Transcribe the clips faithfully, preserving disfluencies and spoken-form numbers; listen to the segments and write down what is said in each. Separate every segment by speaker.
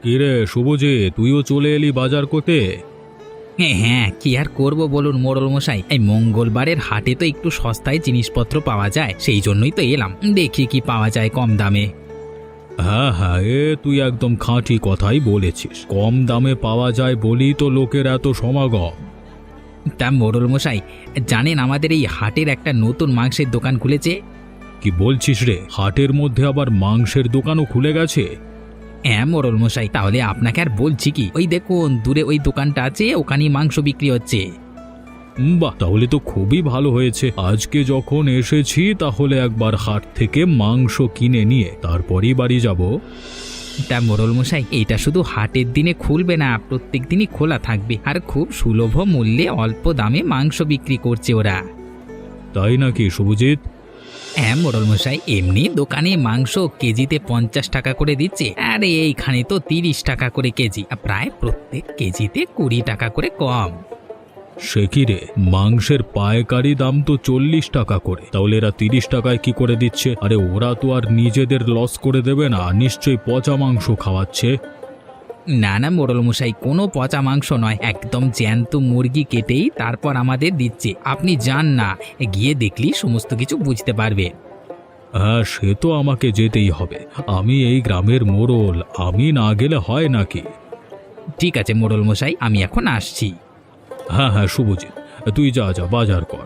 Speaker 1: কিরে শুভজিৎ, তুইও চলে এলি বাজার করতে?
Speaker 2: হ্যাঁ হ্যাঁ, কি আর করব বলুন মোড়ল মশাই, এই মঙ্গলবারের হাটে তো একটু সস্তায় জিনিসপত্র পাওয়া যায়, সেই জন্যই তো এলাম, দেখি কি পাওয়া যায় কম দামে।
Speaker 1: হ্যাঁ হ্যাঁ, এ তুই একদম খাঁটি কথাই বলেছিস। কম দামে পাওয়া যায় বলি তো লোকের এত সমাগম।
Speaker 2: তা মোড়ল মশাই, জানেন আমাদের এই হাটের একটা নতুন মাংসের দোকান খুলেছে?
Speaker 1: কি বলছিস রে, হাটের মধ্যে আবার মাংসের দোকানও খুলে গেছে?
Speaker 2: হ্যাঁ মোড়ল মশাই, তাহলে আপনাকে আর বলছি কি, ওই দেখুন দূরে ওই দোকানটা আছে, ওখানেই মাংস বিক্রি হচ্ছে।
Speaker 1: উম, বাহ, তাহলে তো খুবই ভালো হয়েছে। আজকে যখন এসেছি তাহলে একবার হাট থেকে মাংস কিনে নিয়ে তারপরই বাড়ি যাব।
Speaker 2: তা মোড়ল মশাই, এটা শুধু হাটের দিনে খুলবে না, প্রত্যেক দিনই খোলা থাকবে, আর খুব সুলভ মূল্যে অল্প দামে মাংস বিক্রি করছে ওরা।
Speaker 1: তাই নাকি শুভজিৎ?
Speaker 2: হ্যাঁ মোড়ল মশাই, এমনি দোকানে মাংস কেজিতে পঞ্চাশ টাকা করে দিচ্ছে, আর এইখানে তো তিরিশ টাকা করে কেজি, প্রায় প্রত্যেক কেজিতে কুড়ি টাকা করে কম।
Speaker 1: সে কি রে, মাংসের পাইকারি দাম তো চল্লিশ টাকা করে, তাহলে এরা তিরিশ টাকায় কি করে দিচ্ছে? আরে ওরা তো আর নিজেদের লস করে দেবে না, নিশ্চয়ই পচা মাংস খাওয়াচ্ছে।
Speaker 2: না না মোড়ল মশাই, কোনো পচা মাংস নয়, একদম জ্যান্ত মুরগি কেটেই তারপর আমাদের দিচ্ছে। আপনি যান না, গিয়ে দেখলি সমস্ত কিছু বুঝতে পারবে।
Speaker 1: হ্যাঁ, সে তো আমাকে যেতেই হবে, আমি এই গ্রামের মোড়ল, আমি না গেলে হয় নাকি?
Speaker 2: ঠিক আছে মোড়ল মশাই, আমি এখন আসছি।
Speaker 1: হ্যাঁ হ্যাঁ শুভজিৎ, তুই যা যা বাজার কর।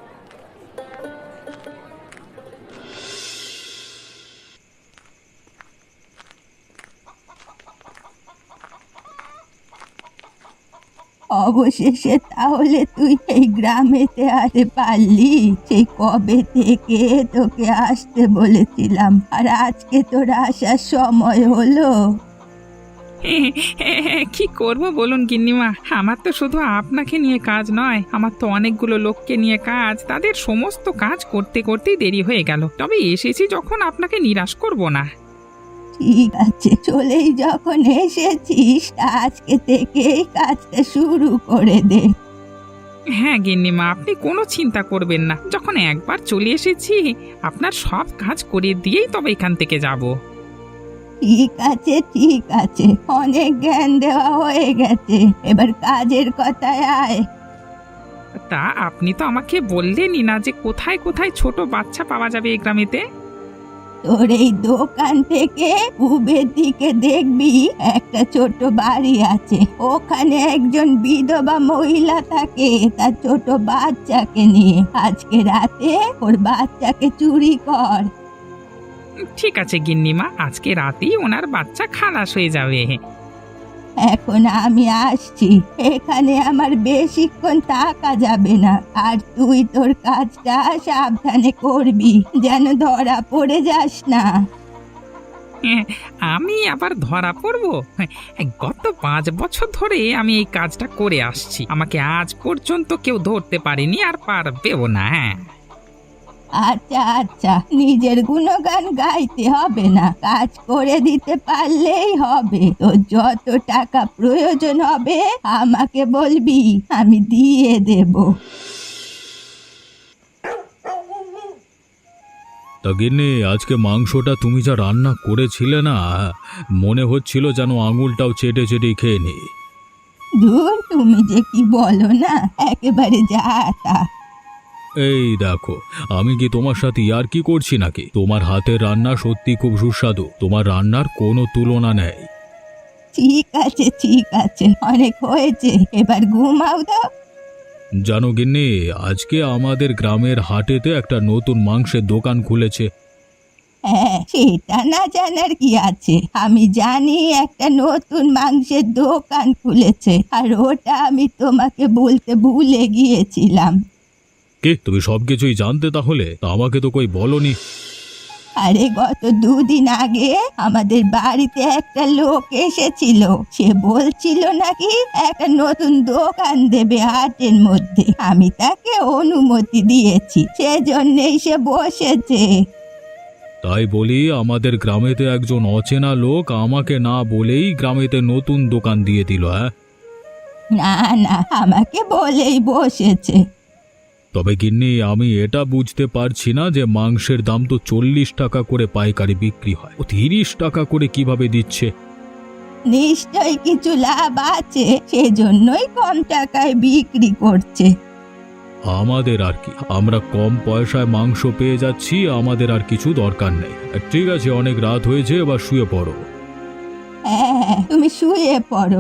Speaker 3: অবশেষে তাহলে তুই এই গ্রামেতে আসতে পারলি? সেই কবে থেকে তোকে আসতে বলেছিলাম, আর আজকে তোর আসার সময় হলো।
Speaker 4: কি করব বলুন গিন্নিমা, আমার তো শুধু আপনাকে নিয়ে কাজ নয়, আমার তো অনেকগুলো লোককে নিয়ে কাজ, তাদের সমস্ত কাজ করতে করতেই দেরি হয়ে গেল। তবে এসেছি যখন, আপনাকে নিরাশ করব না।
Speaker 3: ঠিক আছে, চলেই যখন এসেছিস আজকে থেকেই কাজটা শুরু করে দে।
Speaker 4: হ্যাঁ গিন্নিমা, আপনি কোনো চিন্তা করবেন না, যখন একবার চলে এসেছি আপনার সব কাজ করে দিয়েই তবে এখান থেকে যাব।
Speaker 3: ঠিক আছে ঠিক আছে, অনেক জ্ঞান দেওয়া হয়ে গেছে, এবার কাজের কথায় আয়।
Speaker 4: তা আপনি তো আমাকে বললেনই না যে কোথায় কোথায় ছোট বাচ্চা পাওয়া যাবে এই গ্রামেতে।
Speaker 3: তোর এই দোকান থেকে পূবের দিকে দেখবি একটা ছোট বাড়ি আছে, ওখানে একজন বিধবা মহিলা থাকে তার ছোট বাচ্চাকে নিয়ে। আজকে রাতে ওর বাচ্চাকে চুরি কর।
Speaker 4: ঠিক আছে গিন্নিমা, আজকে রাতেই ওনার বাচ্চা খালাস হয়ে যাবে।
Speaker 3: এখন আমি আসছি, এখানে আমার বেশিক্ষণ থাকা যাবে না, আর তুই তোর কাজটা সাবধানে করবি, যেন ধরা পড়ে যাস না।
Speaker 4: হ্যাঁ, আমি আবার ধরা পড়ব? হ্যাঁ, গত পাঁচ বছর ধরে আমি এই কাজটা করে আসছি, আমাকে আজ পর্যন্ত কেউ ধরতে পারেনি, আর পারবেও না। হ্যাঁ
Speaker 3: আচ্ছা আচ্ছা, নিজের গুণগান গাইতে হবে না, কাজ করে দিতে পারলেই হবে। তো যত টাকা প্রয়োজন হবে আমাকে বলবি, আমি দিয়ে দেব।
Speaker 1: তা গিন্নি, আজকে মাংসটা তুমি যা রান্না করেছিলে না, মনে হচ্ছিল যেন আঙুলটাও চেটে চেটে খেয়ে নি।
Speaker 3: দূর, তুমি যে কি বলো না, একেবারে যা তা।
Speaker 1: এই দেখো, আমি কি তোমার সাথে আর কি করছি নাকি? তোমার হাতের রান্না সত্যি খুব সুস্বাদু, তোমার রান্নার কোনো তুলনা নেই।
Speaker 3: ঠিক আছে ঠিক আছে, অনেক হয়েছে, এবার ঘুমাও তো।
Speaker 1: জানো গিন্নি, আজকে আমাদের গ্রামের হাটেতে একটা নতুন মাংসের দোকান খুলেছে।
Speaker 3: হ্যাঁ, সেটা না জানার কি আছে, আমি জানি একটা নতুন মাংসের দোকান খুলেছে, আর ওটা আমি তোমাকে বলতে ভুলে গিয়েছিলাম।
Speaker 1: কে, তুমি সবকিছুই জানতে তাহলে? তা আমাকে তো কই বলনি।
Speaker 3: আরে গত দুদিন আগে আমাদের বাড়িতে একটা লোক এসেছিল, সে বলছিল নাকি একটা নতুন দোকান দেবে হাটের মধ্যে। আমি তাকে অনুমতি দিয়েছি, সেজন্যই সে বসেছে।
Speaker 1: তাই বলি, আমাদের গ্রামেতে একজন অচেনা লোক আমাকে না বলেই গ্রামেতে নতুন দোকান দিয়ে দিল। হ্যাঁ,
Speaker 3: না না, আমাকে বলেই বসেছে।
Speaker 1: তবে গিন্নি, আমি এটা বুঝতে পারছি না যে মাংসের দাম তো চল্লিশ টাকা করে পাইকারি বিক্রি হয়, ও তিরিশ টাকা করে কিভাবে দিচ্ছে?
Speaker 3: নিশ্চয়ই কিছু লাভ আছে, সেজন্যই কম টাকায় বিক্রি করছে।
Speaker 1: আমাদের আর কি, আমরা কম পয়সায় মাংস পেয়ে যাচ্ছি, আমাদের আর কিছু দরকার নেই। ঠিক আছে, অনেক রাত হয়েছে, এবার শুয়ে পড়ো।
Speaker 3: হ্যাঁ, তুমি শুয়ে পড়ো।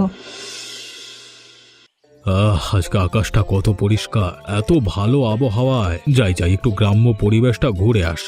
Speaker 1: আহ, আজকে আকাশটা কত পরিষ্কার, এত ভালো আবহাওয়ায় যাই যাই একটু গ্রাম্য পরিবেশটা ঘুরে আসি।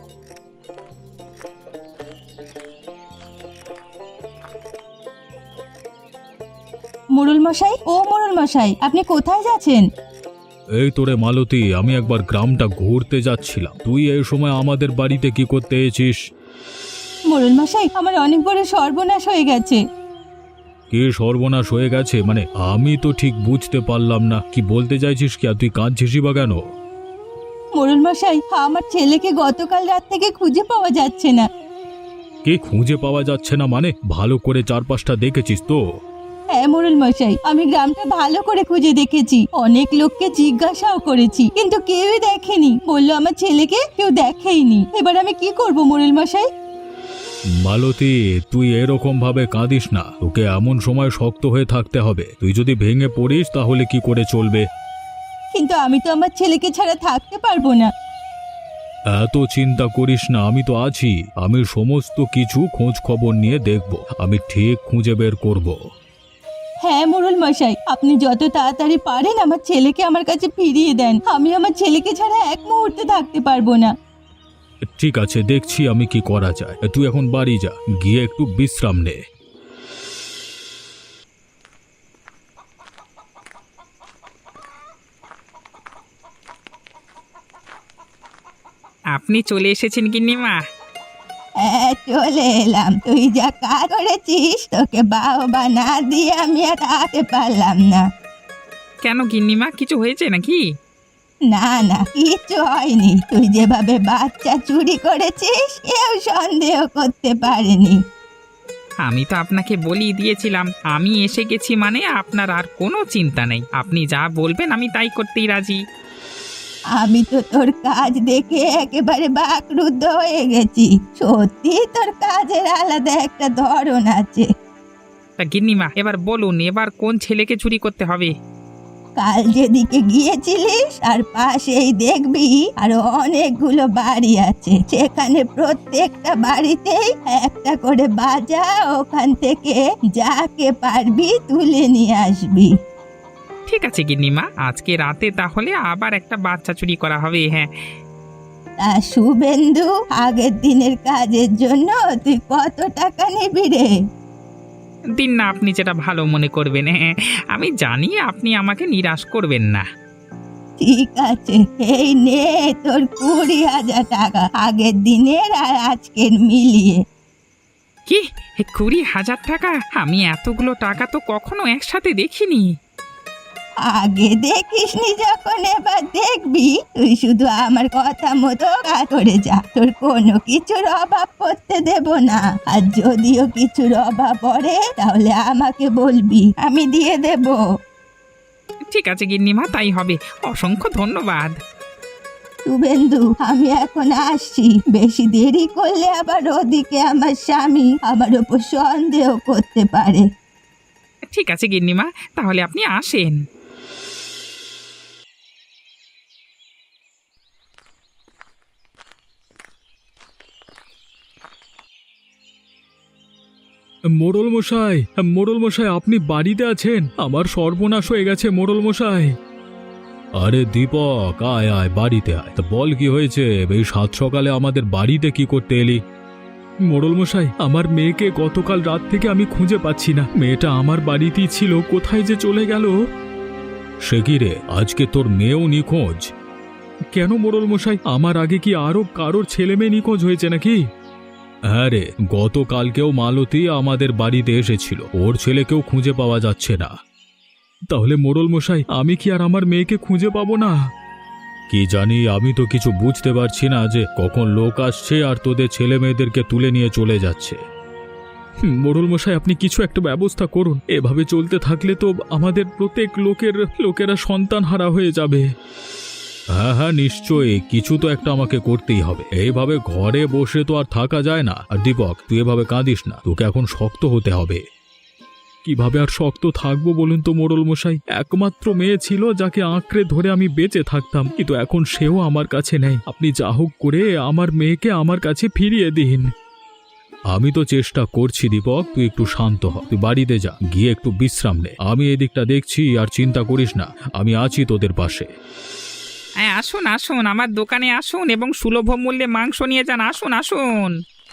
Speaker 3: মোড়ল মশাই, ও মোড়ল মশাই, আপনি কোথায় যাচ্ছেন?
Speaker 1: এই তোরে মালতী, আমি একবার গ্রামটা ঘুরতে যাচ্ছিলাম, তুই এই সময় আমাদের বাড়িতে কি করতে এসেছিস?
Speaker 3: মোড়ল মশাই, আমার অনেক বড় সর্বনাশ হয়ে গেছে।
Speaker 1: কি সর্বনাশ হয়ে গেছে মানে? আমি তো ঠিক বুঝতে পারলাম না, কি বলতে চাইছিস? কি আর তুই কাঁদছিস বা কেন?
Speaker 3: মোড়ল মশাই, আমার ছেলেকে গতকাল রাত থেকে খুঁজে পাওয়া যাচ্ছে না।
Speaker 1: কে খুঁজে পাওয়া যাচ্ছে না মানে? ভালো করে চারপাশটা দেখেছিস তো?
Speaker 3: হ্যাঁ মোড়ল মশাই, আমি গ্রামটা ভালো করে খুঁজে দেখেছি, অনেক লোককে জিজ্ঞাসাও করেছি, কিন্তু কেউই দেখেনি, বললো আমার ছেলেকে কেউ দেখেইনি। এবার আমি কি করব মোড়ল মশাই?
Speaker 1: মালতী, তুই এরকম ভাবে কাঁদিস না, তোকে এমন সময় শক্ত হয়ে থাকতে হবে। তুই যদি ভেঙে পড়িস তাহলে কি করে চলবে?
Speaker 3: কিন্তু আমি তো আমার ছেলেকে ছাড়া থাকতে পারবো না।
Speaker 1: এত চিন্তা করিস না, আমি তো আছি। আমি সমস্ত কিছু খোঁজ খবর নিয়ে দেখব, আমি ঠিক খুঁজে বের করব।
Speaker 3: হ্যাঁ মোড়ল মশাই, আপনি যত তাড়াতাড়ি পারেন আমার ছেলেকে আমার কাছে ফিরিয়ে দেন, আমি আমার ছেলেকে ছাড়া এক মুহূর্তে থাকতে পারবো না।
Speaker 1: ঠিক আছে, দেখছি আমি কি করা যায়। তুই এখন বাড়ি যা, গিয়ে একটু বিশ্রাম নে।
Speaker 4: আপনি চলে এসেছেন গিন্নিমা?
Speaker 3: হ্যাঁ চলে এলাম, তুই যা কাজ করেছিস তোকে বাহবা না দিয়ে আমি আর থাকতে পারলাম না।
Speaker 4: কেন গিন্নিমা, কিছু হয়েছে নাকি?
Speaker 3: না না, কিচ্ছু হয়নি, তুই যেভাবে বাচ্চা চুরি করেছিস কেউ সন্দেহ করতে পারেনি।
Speaker 4: আমি তো আপনাকে বলেই দিয়েছিলাম, আমি এসে গেছি মানে আপনার আর কোনো চিন্তা নেই, আপনি যা বলবেন আমি তাই করতেই রাজি।
Speaker 3: আমি তো তোর কাজ দেখে একেবারে বাকরুদ্ধ হয়ে গেছি, সত্যি তোর কাজের আলাদা একটা ধরন আছে।
Speaker 4: তা গিন্নিমা, এবার বলুন, এবার কোন ছেলেকে চুরি করতে হবে?
Speaker 3: কাল যেদিকে গিয়েছিলিস আর পাশেই দেখবি আরো অনেকগুলো বাড়ি আছে, সেখানে প্রত্যেকটা বাড়িতেই একটা করে বাজা, ওখান থেকে যাকে পারবি তুলে নিয়ে আসবি।
Speaker 4: ঠিক আছে গিন্নিমা, আজকে রাতে তাহলে আবার একটা বাচ্চা চুরি করা হবে। হ্যাঁ,
Speaker 3: তা শুভেন্দু, আগের দিনের কাজের জন্য তুই কত টাকা নিবি রে?
Speaker 4: দিন না, আপনি যেটা ভালো মনে করবেন। হ্যাঁ, আমি জানি আপনি আমাকে নিরাশ করবেন না।
Speaker 3: ঠিক আছে, এই নে তোর কুড়ি হাজার টাকা, আগের দিনের আর আজকের মিলিয়ে।
Speaker 4: কি, এ কুড়ি হাজার টাকা? আমি এতগুলো টাকা তো কখনো একসাথে দেখিনি।
Speaker 3: আগে দেখিসনি যখন, এবার দেখবি। তুই শুধু আমার কথা মতো কাজ করে যা, তোর কোনো কিছুর অভাব পড়তে দেব না, আর যদিও কিছুর অভাব পড়ে তাহলে আমাকে বলবি, আমি দিয়ে দেব।
Speaker 4: ঠিক আছে গিন্নিমা, তাই হবে। অসংখ্য ধন্যবাদ।
Speaker 3: শুভেন্দু, আমি এখন আসছি, বেশি দেরি করলে আবার ওদিকে আমার স্বামী আমার ওপর সন্দেহ করতে পারে।
Speaker 4: ঠিক আছে গিন্নিমা, তাহলে আপনি আসেন।
Speaker 1: মোড়ল মশাই, মোড়ল মশাই, আপনি বাড়িতে আছেন? আমার সর্বনাশ হয়ে গেছে মোড়ল মশাই। আরে দীপক, আয় আয়, বাড়িতে আয়। তা বল, কি হয়েছে? এই সাত সকালে আমাদের বাড়িতে কি করতে এলি? মোড়ল মশাই, আমার মেয়েকে গতকাল রাত থেকে আমি খুঁজে পাচ্ছি না। মেয়েটা আমার বাড়িতেই ছিল, কোথায় যে চলে গেল। সে কি রে, আজকে তোর মেয়েও নিখোঁজ? কেন মোড়ল মশাই, আমার আগে কি আরো কারোর ছেলে মেয়ে নিখোঁজ হয়েছে নাকি? হ্যাঁ রে, গতকালকেও মালতী আমাদের বাড়িতে এসেছিল, ওর ছেলেকেও খুঁজে পাওয়া যাচ্ছে না। তাহলে মোড়ল মশাই, আমি কি আর আমার মেয়েকে খুঁজে পাবো না? কি জানি, আমি তো কিছু বুঝতে পারছি না যে কখন লোক আসছে আর তোদের ছেলে মেয়েদেরকে তুলে নিয়ে চলে যাচ্ছে। মোড়ল মশাই, আপনি কিছু একটা ব্যবস্থা করুন, এভাবে চলতে থাকলে তো আমাদের প্রত্যেক লোকের লোকেরা সন্তান হারা হয়ে যাবে। হ্যাঁ হ্যাঁ, নিশ্চয়ই কিছু তো একটা আমাকে করতেই হবে। এইভাবে ঘরে বসে তো আর থাকা যায় না। আর দীপক, তুই এভাবে কাঁদিস না, তোকে এখন শক্ত হতে হবে। কিভাবে আর শক্ত থাকবো বলুন তো মোড়ল মশাই? একমাত্র মেয়ে ছিল যাকে আঁকড়ে ধরে আমি বেঁচে থাকতাম, কিন্তু এখন সেও আমার কাছে নেই। আপনি যা হোক করে আমার মেয়েকে আমার কাছে ফিরিয়ে দিন। আমি তো চেষ্টা করছি দীপক, তুই একটু শান্ত হ। তুই বাড়িতে যা, গিয়ে একটু বিশ্রাম নে। আমি এদিকটা দেখছি, আর চিন্তা করিস না, আমি আছি তোদের পাশে।
Speaker 4: হ্যাঁ, আসুন আসুন, আমার দোকানে আসুন এবং সুলভ মূল্যে মাংস নিয়ে যান। আসুন আসুন।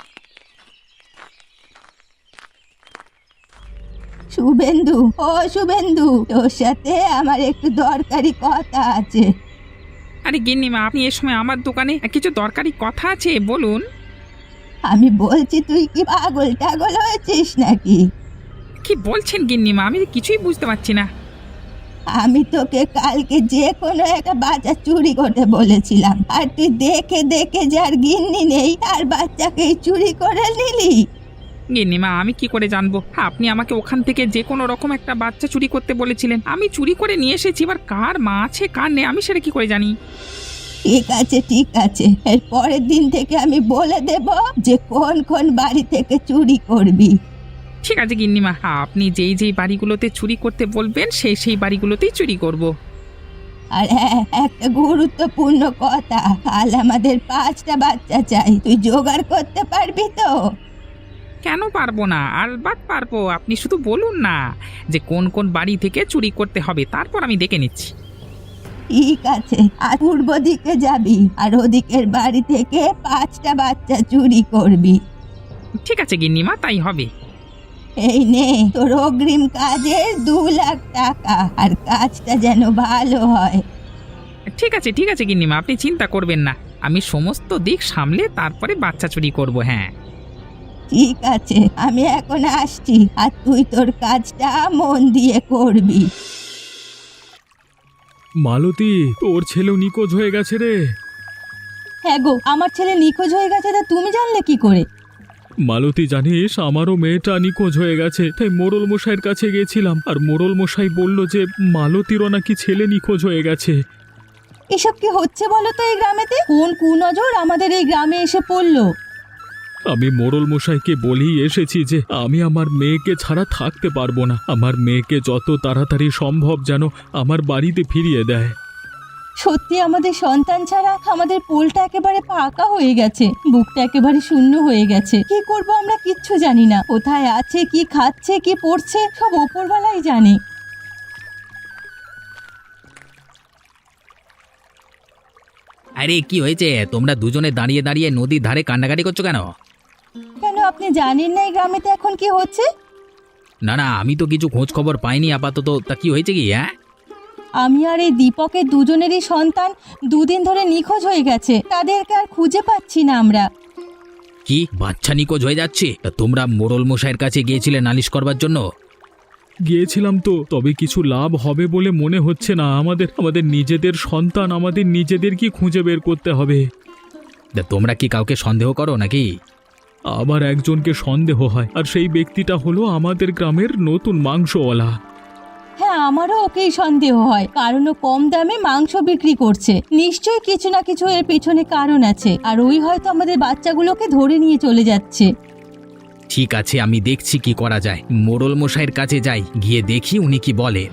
Speaker 3: শুভেন্দু, ও শুভেন্দু, তোর সাথে আমার একটু দরকারি কথা আছে।
Speaker 4: আরে গিন্নিমা, আপনি এ সময় আমার দোকানে কিছু দরকারি কথা আছে, বলুন।
Speaker 3: আমি বলছি, তুই কি পাগল টাগল হয়েছিস নাকি?
Speaker 4: কি বলছেন গিন্নিমা? আমি কিছুই বুঝতে পারছি না।
Speaker 3: আমি তোকে কালকে যে কোনো একটা বাচ্চা চুরি করতে বলেছিলাম, আর তুই দেখে দেখে যার গিন্নি নেই তার বাচ্চাকেই চুরি করে নিলি।
Speaker 4: গিন্নিমা, আমি কি করে জানবো? আপনি আমাকে ওখান থেকে যে কোনো রকম একটা বাচ্চা চুরি করতে বলেছিলেন, আমি চুরি করে নিয়ে এসেছি। এবার কার মা আছে কার নেই আমি সেটা কি করে জানি?
Speaker 3: ঠিক আছে ঠিক আছে, এর পরের দিন থেকে আমি বলে দেব যে কোন কোন বাড়ি থেকে চুরি করবি।
Speaker 4: ঠিক আছে গিন্নিমা, আপনি যেই যেই বাড়িগুলোতে চুরি করতে বলবেন সেই সেই বাড়িগুলোতেই চুরি করব।
Speaker 3: আর হ্যাঁ, একটা গুরুত্বপূর্ণ কথা, কাল আমাদের পাঁচটা বাচ্চা চাই, তুই জোগাড় করতে পারবি তো?
Speaker 4: কেন পারবো না? আলবাত পারবো। আপনি শুধু বলুন না যে কোন কোন বাড়ি থেকে চুরি করতে হবে, তারপর আমি দেখে নিচ্ছি।
Speaker 3: ঠিক আছে, আর পূর্ব দিকে যাবি, আর ওদিকের বাড়ি থেকে পাঁচটা বাচ্চা চুরি করবি।
Speaker 4: ঠিক আছে গিন্নিমা, তাই হবে।
Speaker 3: এই নে তোর অগ্রিম কাজের দু লাখ টাকা, আর কাজটা যেন ভালো হয়।
Speaker 4: ঠিক আছে ঠিক আছে গিন্নিমা, আপনি চিন্তা করবেন না, আমি সমস্ত দিক সামলে তারপরে বাচ্চা চুরি করব। হ্যাঁ
Speaker 3: ঠিক আছে, আমি এখন আসছি, আর তুই তোর কাজটা মন দিয়ে করবি।
Speaker 1: মালতী, তোর ছেলেও নিখোঁজ হয়ে গেছে রে।
Speaker 3: হ্যাঁ গো, আমার ছেলে নিখোঁজ হয়ে গেছে, তা তুমি জানলে কি করে?
Speaker 1: মালতী, জানিস আমারও মেয়েটা নিখোঁজ হয়ে গেছে, তাই মোড়ল মশাইয়ের কাছে গেছিলাম, আর মোড়ল মশাই বলল যে মালতীরও নাকি ছেলে নিখোঁজ হয়ে গেছে।
Speaker 3: এসব কি হচ্ছে বলো তো এই গ্রামেতে? কোন কুনজর আমাদের এই গ্রামে এসে পড়লো?
Speaker 1: আমি মোড়ল মশাইকে বলেই এসেছি যে আমি আমার মেয়েকে ছাড়া থাকতে পারবো না, আমার মেয়েকে যত তাড়াতাড়ি সম্ভব যেন আমার বাড়িতে ফিরিয়ে দেয়।
Speaker 3: সত্যি আমাদের সন্তান ছাড়া আমাদের পোলটা একেবারে ফাঁকা হয়ে গেছে, বুকটা একেবারে শূন্য হয়ে গেছে। কি করব আমরা কিচ্ছু জানি না, কোথায় আছে, কি খাচ্ছে, কি পড়ছে, সব ওপরওয়ালাই জানে।
Speaker 2: আরে কি হয়েছে? তোমরা দুজনে দাঁড়িয়ে দাঁড়িয়ে নদীর ধারে কান্নাকাটি করছো কেন?
Speaker 3: কেন, আপনি জানেন না এই গ্রামেতে এখন কি হচ্ছে?
Speaker 2: না না, আমি তো কিছু খোঁজ খবর পাইনি আপাতত। তা কি হয়েছে কি? হ্যাঁ,
Speaker 3: আমি আর এই দীপকের দুজনেরই সন্তান দুদিন ধরে নিখোঁজ হয়ে গেছে, তাদেরকে আর খুঁজে পাচ্ছি না আমরা।
Speaker 2: কি বাচ্চা নিখোঁজ হয়ে যাচ্ছে? তা তোমরা মোড়ল মশাইয়ের কাছে গিয়েছিলে নালিশ করবার জন্য?
Speaker 1: গিয়েছিলাম তো, তবে কিছু লাভ হবে বলে মনে হচ্ছে না। আমাদের আমাদের নিজেদের সন্তান, আমাদের নিজেদের কি খুঁজে বের করতে হবে।
Speaker 2: তা তোমরা কি কাউকে সন্দেহ করো নাকি?
Speaker 1: আবার একজনকে সন্দেহ হয়, আর সেই ব্যক্তিটা হলো আমাদের গ্রামের নতুন মাংসওয়ালা।
Speaker 3: হ্যাঁ, আমারও ওকেই সন্দেহ হয়, কারণ ও কম দামে মাংস বিক্রি করছে। নিশ্চয়ই কিছু না কিছু এর পেছনে কারণ আছে, আর ওই হয়তো আমাদের বাচ্চাগুলোকে ধরে নিয়ে চলে যাচ্ছে।
Speaker 2: ঠিক আছে, আমি দেখছি কি করা যায়। মোড়ল মশাইয়ের কাছে যাই, গিয়ে দেখি উনি কি বলেন।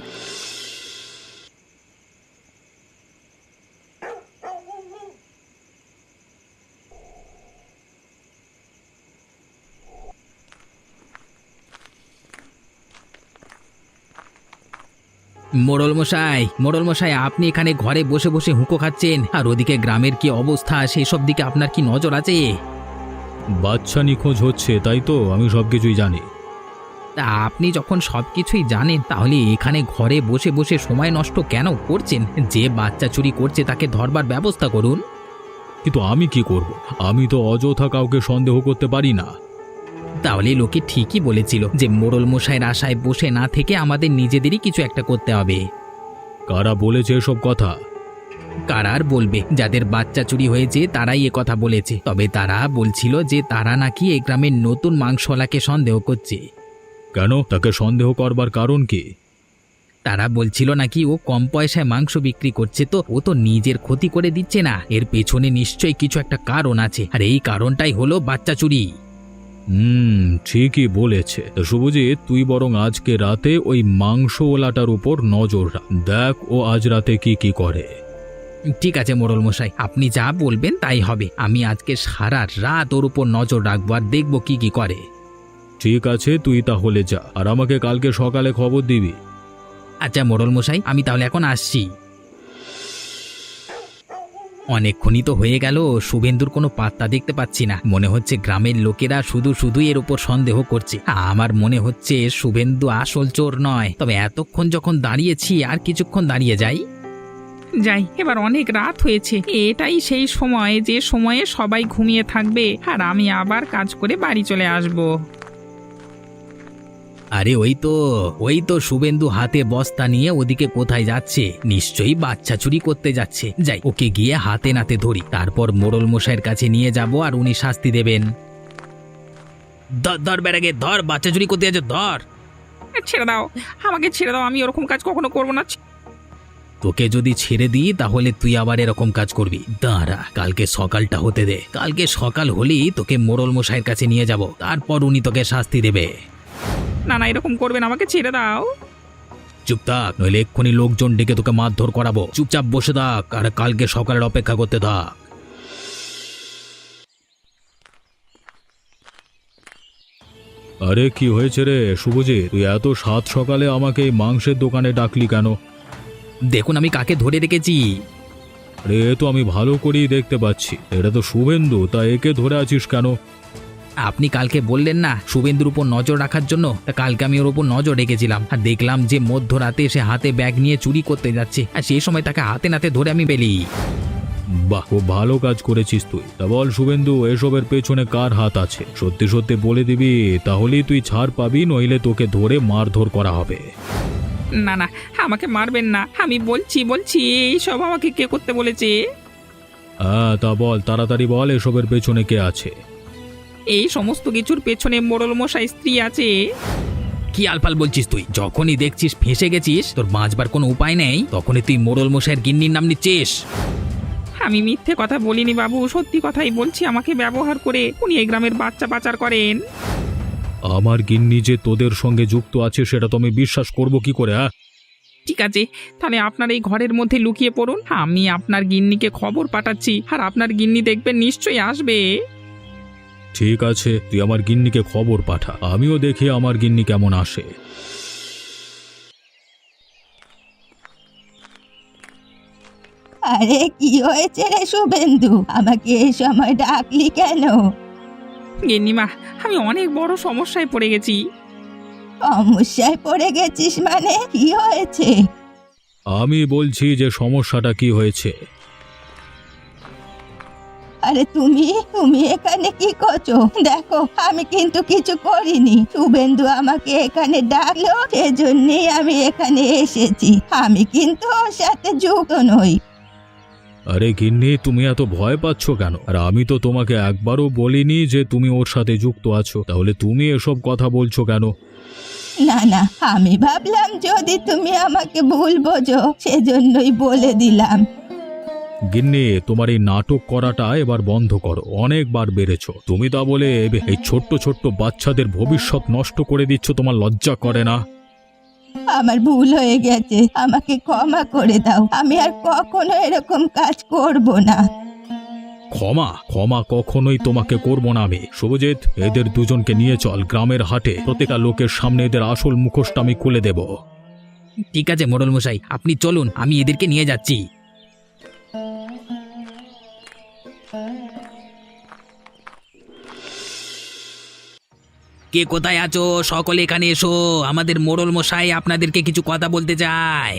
Speaker 2: মোড়ল মশাই, মোড়ল মশাই, আপনি এখানে ঘরে বসে বসে হুঁকো খাচ্ছেন, আর ওদিকে গ্রামের কি অবস্থা সেসব দিকে আপনার কি নজর আছে?
Speaker 1: বাচ্চা নিখোঁজ হচ্ছে, তাই তো আমি সবকিছুই জানি।
Speaker 2: তা আপনি যখন সব কিছুই জানেন, তাহলে এখানে ঘরে বসে বসে সময় নষ্ট কেন করছেন? যে বাচ্চা চুরি করছে তাকে ধরবার ব্যবস্থা করুন।
Speaker 1: কিন্তু আমি কি করব? আমি তো অযথা কাউকে সন্দেহ করতে পারি না।
Speaker 2: তাহলে লোকে ঠিকই বলেছিল যে মোড়ল মশাইয়ের আশায় বসে না থেকে আমাদের নিজেদেরই কিছু একটা করতে হবে।
Speaker 1: কারা বলেছে এসব কথা?
Speaker 2: কারা আর বলবে? যাদের বাচ্চা চুরি হয়েছে তারাই এ কথা বলেছে। তবে তারা বলছিল যে তারা নাকি এই গ্রামের নতুন মাংসওয়ালাকে সন্দেহ করছে।
Speaker 1: কেন? তাকে সন্দেহ করবার কারণ কি?
Speaker 2: তারা বলছিল নাকি ও কম পয়সায় মাংস বিক্রি করছে, তো ও তো নিজের ক্ষতি করে দিচ্ছে না, এর পেছনে নিশ্চয়ই কিছু একটা কারণ আছে, আর এই কারণটাই হলো বাচ্চা চুরি।
Speaker 1: হুম, ঠিকই বলেছে। তো শুভজিৎ, তুই বরং আজকে রাতে ওই মাংসওয়ালাটার উপর নজর রাখ। দেখ ও আজ রাতে কি কি করে।
Speaker 2: ঠিক আছে মোড়ল মশাই, আপনি যা বলবেন তাই হবে। আমি আজকে সারা রাত ওর উপর নজর রাখবো আর দেখবো কি কি করে।
Speaker 1: ঠিক আছে, তুই তাহলে যা, আর আমাকে কালকে সকালে খবর দিবি।
Speaker 2: আচ্ছা মোড়ল মশাই, আমি তাহলে এখন আসছি। অনেকক্ষণই তো হয়ে গেল, শুভেন্দুর কোনো পাত্তা দেখতে পাচ্ছি না। মনে হচ্ছে গ্রামের লোকেরা শুধু শুধুই এর উপর সন্দেহ করছে। আমার মনে হচ্ছে শুভেন্দু আসল চোর নয়। তবে এতক্ষণ যখন দাঁড়িয়েছি, আর কিছুক্ষণ দাঁড়িয়ে যাই।
Speaker 4: যাই, এবার অনেক রাত হয়েছে। এটাই সেই সময় যে সময়ে সবাই ঘুমিয়ে থাকবে আর আমি আবার কাজ করে বাড়ি চলে আসব।
Speaker 2: আরে ওই তো ওই তো শুভেন্দু হাতে বস্তা নিয়ে ওদিকে কোথায় যাচ্ছে। নিশ্চয়ই বাচ্চা চুরি করতে যাচ্ছে। যাই, ওকে গিয়ে হাতে নাতে ধরি, তারপর মোড়ল মশাইয়ের কাছে নিয়ে যাব আর উনি শাস্তি দেবেন। ধর ধর বেড়াগে ধর, বাচ্চা চুরি করতে যাচ্ছে, ধর।
Speaker 4: ছেড়ে দাও, আমাকে ছেড়ে দাও, আমি ওরকম কাজ কখনো করবো না।
Speaker 2: তোকে যদি ছেড়ে দিই তাহলে তুই আবার এরকম কাজ করবি। দাঁড়া, কালকে সকালটা হতে দে। কালকে সকাল হলেই তোকে মোড়ল মশাইয়ের কাছে নিয়ে যাব, তারপর উনি তোকে শাস্তি দেবে।
Speaker 4: না না, এরকম করবেন, আমাকে ছেড়ে দাও।
Speaker 2: চুপ থাক, নইলে এক্ষুনি লোকজন ডেকে তোকে মারধর করাবো। চুপচাপ বসে থাক আর কালকে সকালের অপেক্ষা করতে থাক।
Speaker 1: আরে কি হয়েছে রে শুভজিৎ, তুই এত সাত সকালে আমাকে এই মাংসের দোকানে ডাকলি কেন?
Speaker 2: দেখুন আমি কাকে ধরে রেখেছি।
Speaker 1: আরে এ তো আমি ভালো করেই দেখতে পাচ্ছি, এটা তো শুভেন্দু, তা একে ধরে আছিস কেন?
Speaker 2: আপনি কালকে বললেন না শুভেন্দুর উপর নজর রাখার জন্য, তা কালকে আমি ওর উপর নজর রেখেছিলাম আর দেখলাম যে মধ্যরাতে এসে হাতে ব্যাগ নিয়ে চুরি করতে যাচ্ছে, আর সেই সময় তাকে হাতে নাতে ধরে আমি পেলি।
Speaker 1: বাহ, খুব ভালো কাজ করেছিস তুই। তা বল শুভেন্দু, এসবের পেছনে কার হাত আছে? সত্যি সত্যি বলে দিবি, তাহলেই তুই ছাড় পাবি, নইলে তোকে ধরে মারধর করা হবে।
Speaker 4: না না, আমাকে মারবেন না, আমি বলছি বলছি এইসব আমাকে কে করতে বলেছে?
Speaker 1: হ্যাঁ, তা বল, তাড়াতাড়ি বল, এসবের পেছনে কে আছে?
Speaker 4: এই সমস্ত কিছুর পেছনে মোড়ল মশাই স্ত্রী আছে।
Speaker 2: কি আলফাল বলছিস তুই? যখনই দেখছিস ফেঁসে গেছিস, তোর বাঁচবার কোনো উপায় নেই, তখনই তুই মোড়ল মশাইয়ের গিন্নির নাম নিচ্ছিস।
Speaker 4: আমি মিথ্যে কথা বলিনি বাবু, সত্যি কথাই বলছি। আমাকে ব্যবহার করে উনি এই গ্রামের বাচ্চা পাচার করেন।
Speaker 1: আমার গিন্নি যে তোদের সঙ্গে যুক্ত আছে সেটা তো আমি বিশ্বাস করব কি করে? হ্যাঁ,
Speaker 4: ঠিক আছে, তাহলে আপনার এই ঘরের মধ্যে লুকিয়ে পড়ুন, আমি আপনার গিন্নিকে খবর পাঠাচ্ছি আর আপনার গিন্নি দেখবেন নিশ্চয়ই আসবে।
Speaker 1: ঠিক আছে, তুই আমার গিন্নিকে খবর পাঠা, আমিও দেখি আমার গিন্নি কেমন আসে।
Speaker 3: আরে কি হয়েছে রে শুভেন্দু, আমাকে এই সময় ডাকলি কেন?
Speaker 4: গিন্নিমা, আমি অনেক বড় সমস্যায় পড়ে গেছি।
Speaker 3: সমস্যায় পড়ে গেছিস মানে? কি হয়েছে?
Speaker 1: আমি বলছি যে সমস্যাটা কি হয়েছে।
Speaker 3: আরে তুমি তুমি এখানে কি করছো? দেখো, আমি কিন্তু কিছু করিনি। শুভেন্দু আমাকে এখানে ডাকলো, সেজন্যই আমি এখানে এসেছি। আমি কিন্তু ওর সাথে যুক্ত নই।
Speaker 1: আরে গিন্নি, তুমি এত ভয় পাচ্ছ কেন? আর আমি তো তোমাকে একবারও বলিনি যে তুমি ওর সাথে যুক্ত আছো, তাহলে তুমি এসব কথা বলছো কেন?
Speaker 3: না না, আমি ভাবলাম যদি তুমি আমাকে ভুল বোঝো, সেজন্যই বলে দিলাম।
Speaker 1: গিন্নি, তোমার এই নাটক করাটা এবার বন্ধ করো, অনেকবার বেড়েছ। তুমি তা বলে এই ছোট্ট ছোট্ট বাচ্চাদের ভবিষ্যৎ নষ্ট করে দিচ্ছ, তোমার লজ্জা করে না?
Speaker 3: আমার ভুল হয়ে গেছে, আমাকে ক্ষমা করে দাও। আমি আর কখনো এরকম কাজ করব না।
Speaker 1: ক্ষমা ক্ষমা কখনোই তোমাকে করব না আমি। শুভজিৎ, এদের দুজনকে নিয়ে চল গ্রামের হাটে, প্রত্যেকটা লোকের সামনে এদের আসল মুখোশটা আমি খুলে দেব।
Speaker 2: ঠিক আছে মোড়ল মশাই, আপনি চলুন, আমি এদেরকে নিয়ে যাচ্ছি। কে কোথায় আছো? সকলে এখানে এসো, আমাদের মোড়ল মশাই আপনাদেরকে কিছু কথা বলতে চায়।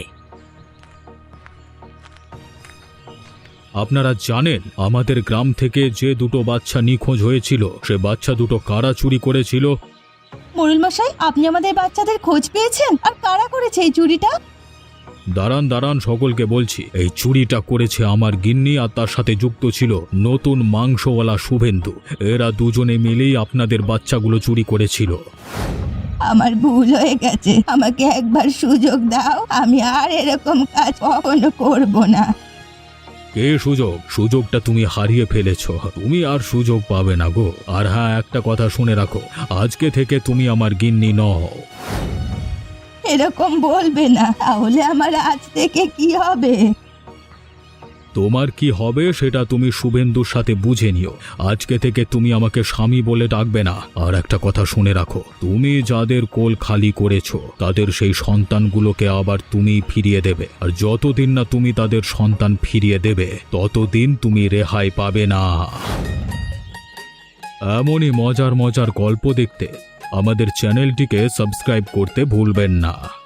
Speaker 1: আপনারা জানেন আমাদের গ্রাম থেকে যে দুটো বাচ্চা নিখোঁজ হয়েছিল, সে বাচ্চা দুটো কারা চুরি করেছিল?
Speaker 3: মোড়ল মশাই, আপনি আমাদের বাচ্চাদের খোঁজ পেয়েছেন? আর কারা করেছে এই চুরিটা?
Speaker 1: দাঁড়ান দাঁড়ান, সকলকে বলছি। এই চুরিটা করেছে আমার গিন্নি, আর তার সাথে যুক্ত ছিল নতুন মাংসওয়ালা শুভেন্দু। এরা দুজনে মিলেই আপনাদের বাচ্চাগুলো চুরি করেছিল।
Speaker 3: আমার ভুল হয়ে গেছে, আমাকে একবার সুযোগ দাও, আমি আর এরকম কাজ কখনো করব না।
Speaker 1: কে সুযোগ? সুযোগটা তুমি হারিয়ে ফেলেছো, তুমি আর সুযোগ পাবে না গো। আর হ্যাঁ, একটা কথা শুনে রাখো, আজকে থেকে তুমি আমার গিন্নি নও।
Speaker 3: এরকম বলবে না, তাহলে আমার আজ থেকে কি হবে?
Speaker 1: তোমার কি হবে সেটা তুমি শুভেন্দুর সাথে বুঝে নিও। আজকে থেকে তুমি আমাকে স্বামী বলে ডাকবে না। আর একটা কথা শুনে রাখো, তুমি যাদের কোল খালি করেছো তাদের সেই সন্তানগুলোকে আবার তুমি ফিরিয়ে দেবে। আর যতদিন না তুমি তাদের সন্তান ফিরিয়ে দেবে ততদিন তুমি রেহাই পাবে না। এমনই মজার মজার গল্প দেখতে আমাদের চ্যানেলটিকে সাবস্ক্রাইব করতে ভুলবেন না।